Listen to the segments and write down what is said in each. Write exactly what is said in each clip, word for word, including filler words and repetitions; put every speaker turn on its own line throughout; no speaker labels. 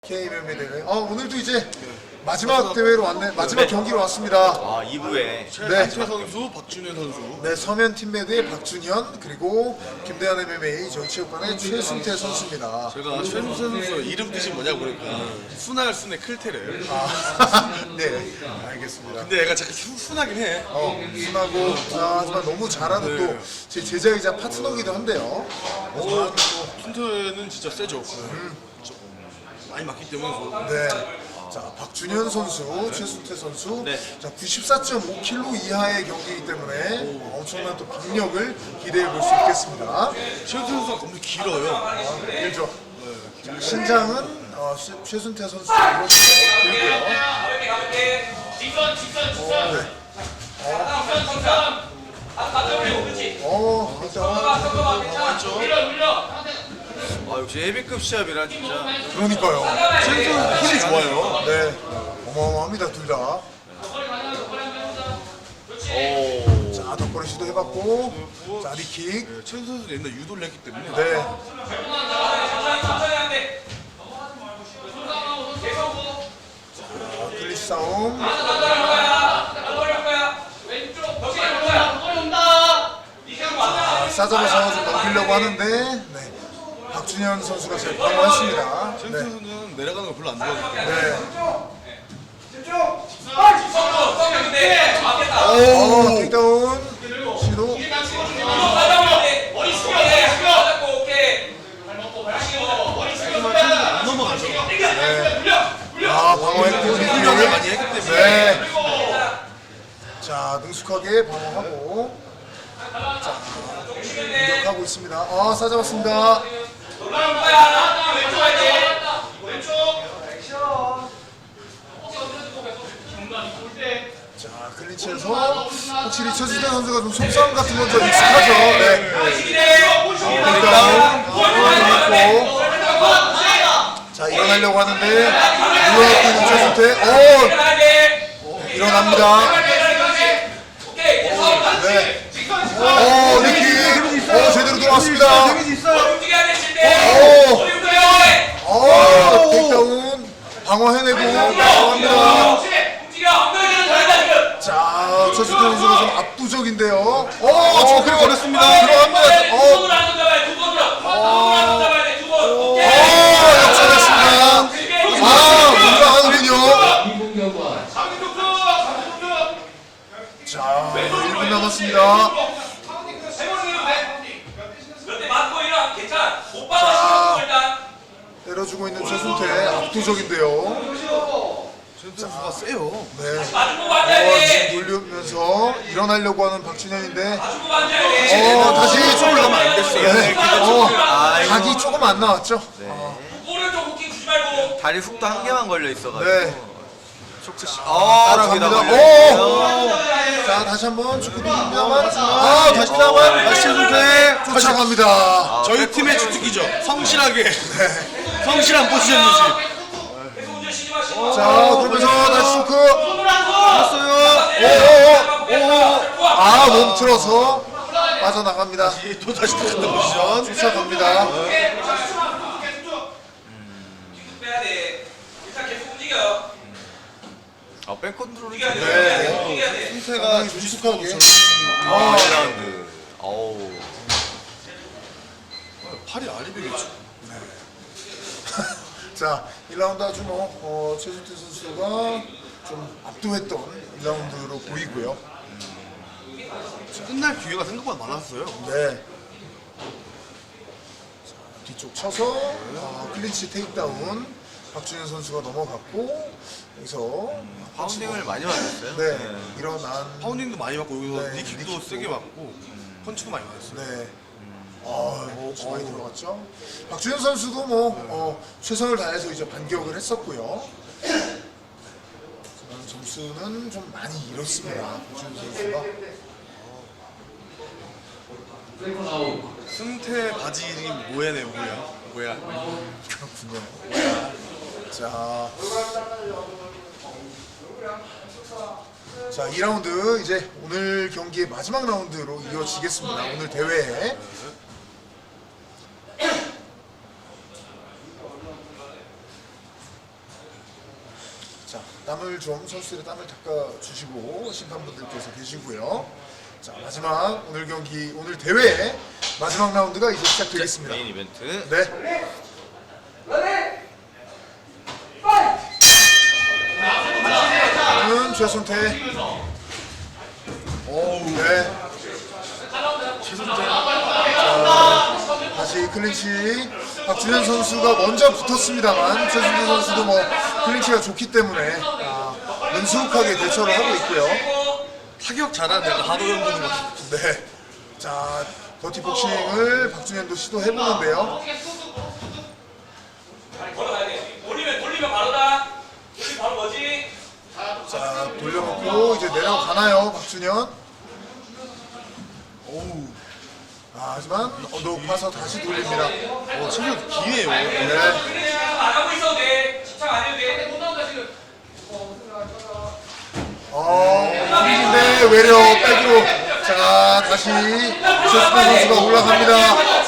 케이엠엠에이 대회. 아 오늘도 이제 마지막 대회로 왔네. 마지막 경기로 왔습니다.
아 이 부에
네.
최 선수, 박준현 선수.
네, 서면 팀매드의 박준현 그리고 김대한 엠엠에이 전체육관의 최순태 선수입니다.
제가 최순 선수 이름 뜻이 뭐냐고 그러니까 순할 순의 클테를.
아, 네, 알겠습니다.
근데 얘가 잠깐 순, 순하긴 해.
어, 순하고 아, 하지만 너무 잘하는
네.
또 제 제자이자 파트너기도 한데요.
어, 순태는 진짜 세죠. 음. 많이 맞기 때문에. 뭐.
네. 자, 박준현 선수, 최순태 선수.
네.
자, 구십사 점 오 킬로그램 이하의 경기이기 때문에 엄청난 또 박력을 기대해 볼 수 있겠습니다.
최순 선수가 너무 길어요.
아, 길죠. 자, 신장은 어, 최, 최순태 선수 이렇게 길고요. 어, 일단
아 역시 헤비급 시합이라 진짜
그러니까요.
최순 선수 힘이 좋아요.
네, 어마어마합니다 둘 다.
오
자, 덕거리 시도해봤고, 자, 리킥.
네, 최순 선수 옛날 유도를 했기 때문에.
네. 자, 클리시 싸움. 자, 싸잡아서 좀 넘기려고 하는데, 네. 박준현 선수가 잘 방어했습니다.
최순
네.
선수는 내려가는 거 별로 안 좋아하기 때문에.
네.
오!
어, 테이크다운 시도.
안 넘어가죠.
아, 방어했고,
훈련을
리킥을
많이 했기 때문에.
네. 자, 능숙하게 방어하고. 자, 공격하고 있습니다. 아, 싸잡았습니다. 자, 클린치에서 확실히 최수대 선수가 좀 속싸움 같은 건 좀 익숙하죠. 네. 일단 들어갔고. 자, 일어나려고 하는데 물러나고 있는 최수태. 오! 일어납니다. 네. 오, 니키. 오, 제대로 들어왔습니다. 오! 오, 테이크다운. 방어해내고 들어갑니다. 자, 최수태 선수가 좀 압도적인데요. 오, 저 그래 걸렸습니다. 들어갑니다. 어, 오, 역전했습니다. 아, 뭔가 하는군요. 자, 일 분 남았습니다. 때려주고 있는 최순태 압도적인데요.
최순 선수가 세요.
네. 어, 지금 돌리면서 일어나려고 하는 박준현인데, 어, 다시 좀 올라가면 안 됐어요. 네. 어, 각이 조금 안 나왔죠.
다리 훅도 한 개만 걸려 있어가지고
네.
쇼크시 아
따라갑니다.
저기다
오!
걸려
자, 다시 한번 축구 뒷담화. 아, 다시 뒷담화. 다시 최순태 쫓아갑니다.
저희 팀의 주특기죠. 성실하게. 성실한 포지션 유지.
자, 그러면서 다시 쇼크. 했어요. 오, 오, 오. 아, 몸 틀어서 빠져나갑니다.
또 다시 똑같은 포지션.
쫓아갑니다.
아 백컨트롤이
네.
승태가
능숙하게.
아 일 라운드 어우
팔이 아리백이죠.
자, 일 라운드 아주 뭐, 어, 최순태 선수가 좀 압도했던 일 라운드로 보이고요.
끝날 기회가 생각보다 많았어요.
네. 자, 뒤쪽 쳐서 아, 클린치 테이크다운. 박준현 선수가 넘어갔고 여기서
파운딩을 많이 맞았어요.
네, 일어난
파운딩도 많이 맞고 여기서
네,
니킥도
니킥도.
세게 맞고 펀치도 많이 맞았어요.
네. 아, 혹시 많이 들어갔죠? 박준현 선수도 뭐 어, 최선을 다해서 이제 반격을 했었고요. 하지만 점수는 좀 많이 잃었습니다. 박준현 선수가.
승태 바지 이름이 뭐야네 뭐야 뭐야.
그렇군요. 자, 자, 이 라운드 이제 오늘 경기의 마지막 라운드로 이어지겠습니다. 오늘 대회에. 자, 땀을 좀 선수들의 땀을 닦아주시고 심판분들께서 계시고요. 자, 마지막 오늘 경기 오늘 대회 마지막 라운드가 이제 시작되겠습니다.
메인 이벤트.
네. 는 최순태. 오, 네. 최순태. 자, 다시 클린치. 박준현 선수가 먼저 붙었습니다만 최순태 선수도 뭐 클린치가 좋기 때문에 아, 능숙하게 대처를 하고 있고요.
타격 잘하는 애가 하도현 보는 것 같아.
네. 자, 더티 복싱을 박준현도 시도해보는데요.
걸어가야 돼. 돌리면 돌리면 바로다. 돌리면 바로 뭐지?
자, 돌려놓고 이제 내려가나요, 박준현? 오우. 아, 하지만 어, 높아서 다시 돌립니다.
어, 체력 기회예요.
네.
그냥 안 하고 있어도 돼. 집착 안 해도 돼. 못 나온다 지금.
어, 힘인데 외려 백으로. 자, 다시 최수빈 선수가 올라갑니다.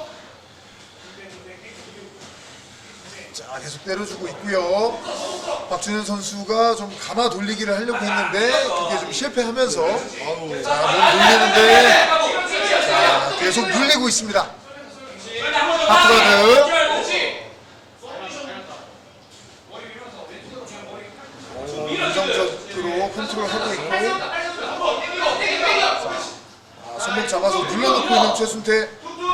자, 계속 때려주고 있고요. 박준현 선수가 좀 감아 돌리기를 하려고 했는데 그게 좀 실패하면서 자, 몸 돌리는데 자, 계속 눌리고 있습니다. 하프가드. 어, 안정적으로 컨트롤하고 있고 아, 손목 잡아서 눌러놓고 있는 최순태.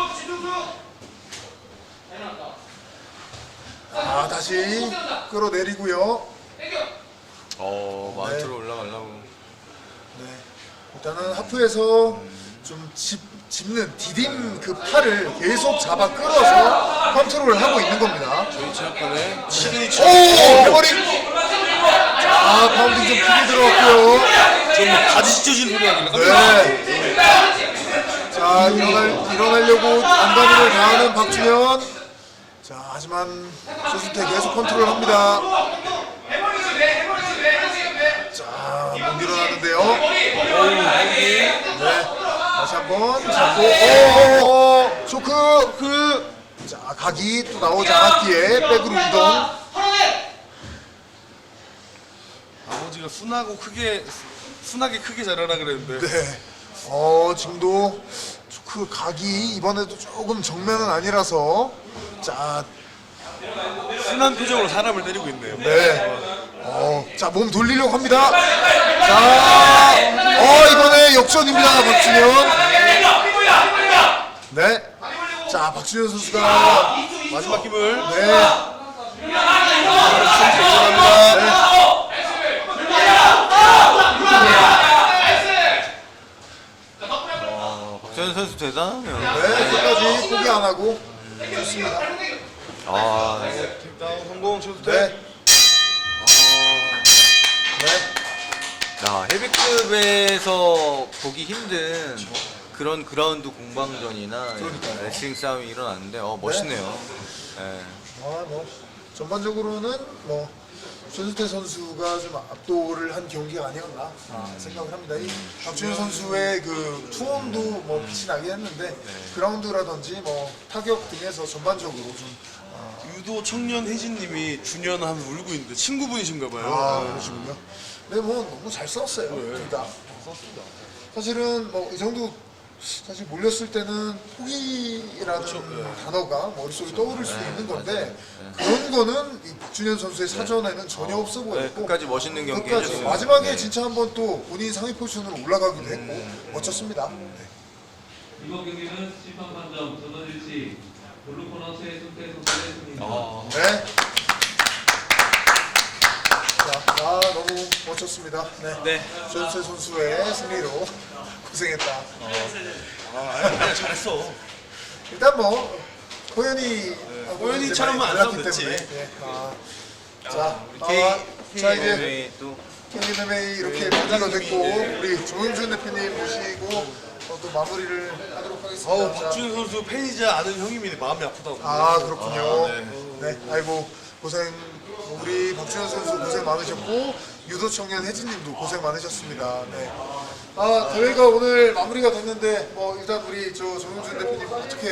아, 다시 끌어내리고요.
어, 마운트로 올라가려고.
네. 일단은 하프에서 좀 짚, 짚는 디딤 그 팔을 계속 잡아 끌어서 컨트롤을 하고 있는 겁니다.
저희 체육관에 시그니
오! 해버리! 자, 파운딩 좀 크게 들어갔고요.
좀 바지 찢어지는 소리 나긴
네. 자, 일어날, 일어나려고 안간힘을 다하는 박준현. 자, 하지만 최순태 계속 컨트롤 합니다. 자, 못 일어나는데요. 네. 다시 한번 잡고, 오, 쇼크, 그. 자, 각이 또 나오지 않았기에 백으로 이동.
아버지가 순하고 크게 순하게 크게 자라라 그랬는데
네. 어, 지금도 그 각이 이번에도 조금 정면은 아니라서 자,
순한 표정으로 사람을 때리고 있네요.
네. 어, 자, 몸 돌리려고 합니다. 자, 어, 이번에 역전입니다, 박준현. 네. 자, 박준현 선수가
마지막 힘을
네.
어, 박준현 선수 대단하네요.
네, 끝까지 포기 안 하고 좋습니다.
아, 네.
다운 성공 최수태.
네. 네.
야, 헤비급에서 보기 힘든 그런 그라운드 공방전이나 레슬링 싸움이 일어났는데 어, 멋있네요. 네.
아, 뭐 전반적으로는 뭐 최수태 선수가 좀 압도를 한 경기가 아니었나 아, 생각을 합니다. 이 박준현 선수의 그 투혼도 뭐 빛이 나긴 했는데 그라운드라든지 뭐 타격 등에서 전반적으로 좀
유도 청년 혜진님이 준현 하면 울고 있는데 친구분이신가 봐요.
아, 그러시군요. 네, 뭐 너무 잘 싸웠어요. 둘 다. 사실은 뭐 이 정도 사실 몰렸을 때는 포기라는 단어가 머릿속에 떠오를 수도 있는 건데 그런 거는 이 박준현 선수의 사전에는 전혀 없어
네,
보였고
끝까지 멋있는 경기
끝까지
해줬어요.
마지막에
네.
진짜 한번 또 본인 상위 포지션으로 올라가기도 했고 멋졌습니다. 네.
이번 경기는 심판 판정 전원일치 블루코너 최순태 선수의 승리입니다.
어,
네. 자, 아, 너무 멋졌습니다. 네.
네.
최순태 선수의 승리로 고생했다.
아, 아니, 잘했어.
일단 뭐 호연이
호연이처럼은 안 싸우면 됐지.
네. 아, 자,
K,
아, 자 이제
K 또
케이엠엠에이 이렇게 마무리가 됐고 우리 정영준 대표님 모시고 어, 또 마무리를 하도록 하겠습니다.
어우,
자,
박준현 선수 팬이자 아는 형님이 마음이 아프다고.
아 그렇군요.
아,
네. 아이고 고생 우리 박준현 선수 고생 많으셨고 유도 청년 혜진님도 고생 많으셨습니다. 네. 아 대회가 오늘 마무리가 됐는데 뭐 일단 우리 저 정영준 대표님 어떻게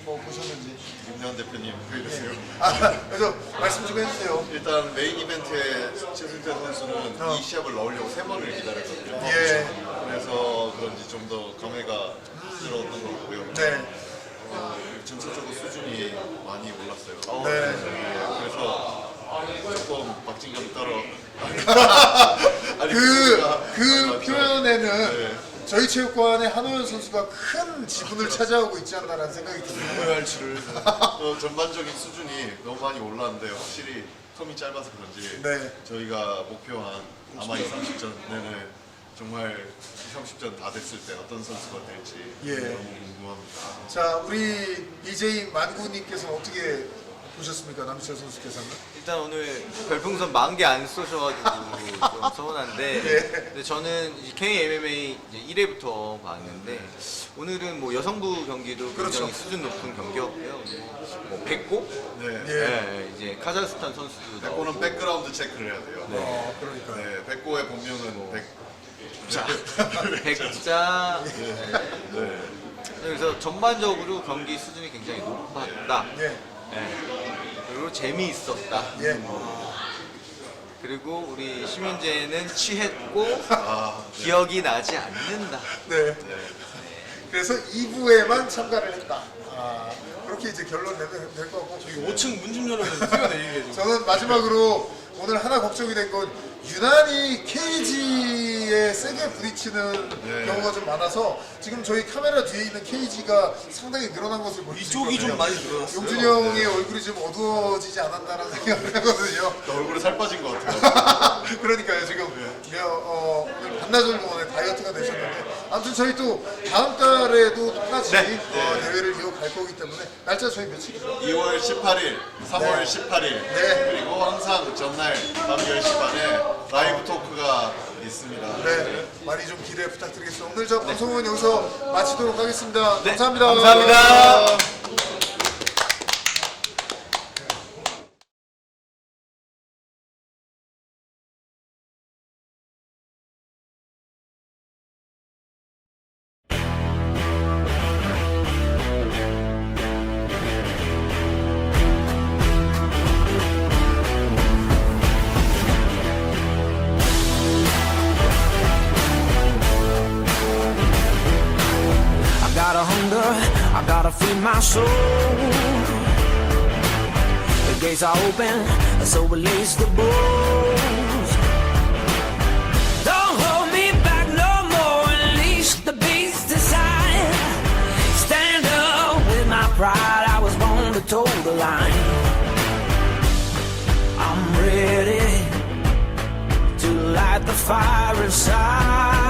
뭐 보셨는지.
김대환 대표님 보여주세요.
아, 그래서 말씀 좀 해주세요.
일단 메인 이벤트에 최승태 선수는
어.
이 시합을 넣으려고 세 번을 기다렸거든요.
예.
그래서 그런지 좀 더 감회가 들었던 것 같고요.
네.
어, 전체적으로 수준이 많이 올랐어요.
네.
예, 그래서 조금 박진감 따라 아니,
그,
그거가-
그
맞죠.
표현에는
네.
저희 체육관의 한호연 선수가 큰 지분을 차지하고 있지 않나라는 생각이 듭니다.
로얄치를
어, 전반적인 수준이 너무 많이 올랐는데 확실히 텀이 짧아서 그런지
네.
저희가 목표한 아마 이, 삼십 전 내내 정말 이, 삼십 전 다 됐을 때 어떤 선수가 될지
예.
너무 궁금합니다.
자, 우리 비제이 만구님께서는 어떻게 보셨습니까? 남희철 선수께서는?
일단 오늘 별풍선 만 개 안 쏘셔가지고 좀 서운한데
예.
근데 저는 이제 케이엠엠에이 이제 일 회부터 봤는데 오늘은 뭐 여성부 경기도
그렇죠.
굉장히 수준 높은 경기였고요. 뭐 백고
네.
예.
네, 이제 카자흐스탄 선수도
백고는
나오고
백그라운드 체크를 해야 돼요.
어, 그러니까.
네, 백고의 본명은 백.
자, 백자
네.
그래서 전반적으로 경기 수준이 굉장히 높았다.
예.
네. 그리고 재미있었다.
예.
그리고 우리 심현재는 취했고
아, 네.
기억이 나지 않는다.
네. 그래서 이 부에만 참가를 했다. 아, 그렇게 이제 결론 내면 될 것 같고.
오 층 문 좀 열어서 뛰어내리게 좀.
저는 마지막으로 오늘 하나 걱정이 된 건 유난히 케이지에 세게 부딪히는
네.
경우가 좀 많아서 지금 저희 카메라 뒤에 있는 케이지가 상당히 늘어난 것을 볼 수 있거든요.
이쪽이 좀 많이 늘어났어요.
용준이 형의 얼굴이 좀 어두워지지 않았나라는 생각을 하거든요.
얼굴에 살 빠진 것 같아요.
그러니까요, 지금 어, 오늘 반나절 동안에 다이어트가 되셨는데 아무튼 저희 또 다음 달에도 똑같이
네.
어, 대회를 이어갈 거기 때문에 날짜 저희 며칠이죠?
이월 십팔일, 삼월
네.
십팔일
네.
그리고 항상 전날 밤 열 시 반에 라이브 토크가 있습니다.
네, 많이 좀 기대 부탁드리겠습니다. 오늘 저 방송은 여기서 마치도록 하겠습니다.
네,
감사합니다.
감사합니다.
I got a hunger, I gotta feed my soul. The gates are open, so release the bulls. Don't hold me back no more, unleash the beast inside. Stand up with my pride, I was born to toe the line. I'm ready to light the fire inside.